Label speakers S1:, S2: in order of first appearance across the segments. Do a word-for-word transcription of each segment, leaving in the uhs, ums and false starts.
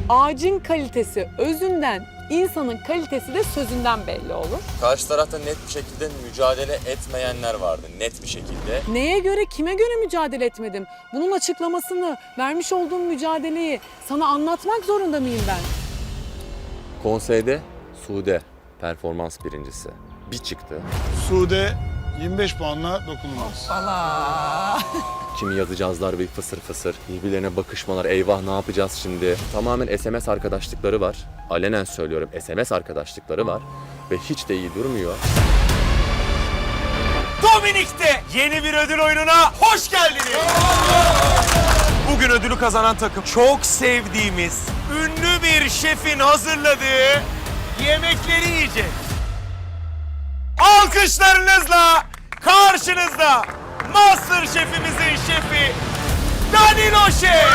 S1: Ağacın kalitesi özünden, insanın kalitesi de sözünden belli olur.
S2: Karşı tarafta net bir şekilde mücadele etmeyenler vardı. Net bir şekilde.
S1: Neye göre, kime göre mücadele etmedim? Bunun açıklamasını, vermiş olduğum mücadeleyi sana anlatmak zorunda mıyım ben?
S2: Konseyde Sude performans birincisi. Bir çıktı.
S3: Sude yirmi beş puanla dokunulmaz.
S2: Kimi yazacağızlar bir fısır fısır. Birbirlerine bakışmalar. Eyvah ne yapacağız şimdi? Tamamen S M S arkadaşlıkları var. Alenen söylüyorum S M S arkadaşlıkları var. Ve hiç de iyi durmuyor.
S4: Dominik'te yeni bir ödül oyununa hoş geldiniz. Bugün ödülü kazanan takım çok sevdiğimiz ünlü bir şefin hazırladığı yemekleri yiyecek. Alkışlarınızla karşınızda Master Şefimizin şefi Danilo Şef.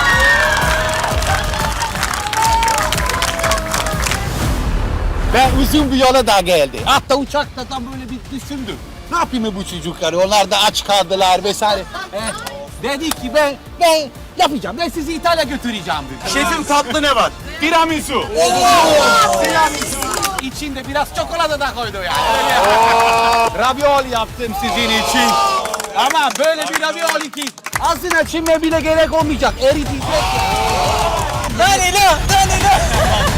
S5: Ben uzun bir yola da geldi. Hatta uçakta da böyle bir düşündüm. Ne yapayım bu çocukları? Onlar da aç kaldılar vesaire. Eh, dedi ki ben ben yapacağım. Ben sizi İtalya götüreceğim dedi.
S4: Şefim tatlı ne var? Tiramisu.
S5: Tiramisu. İçinde biraz çikolata da koydu yani. Öyle. Ravioli yaptım sizin için. Ama böyle bir ravioli ki ağzına çinme bile gerek olmayacak. Eritecek. Danilo, Danilo.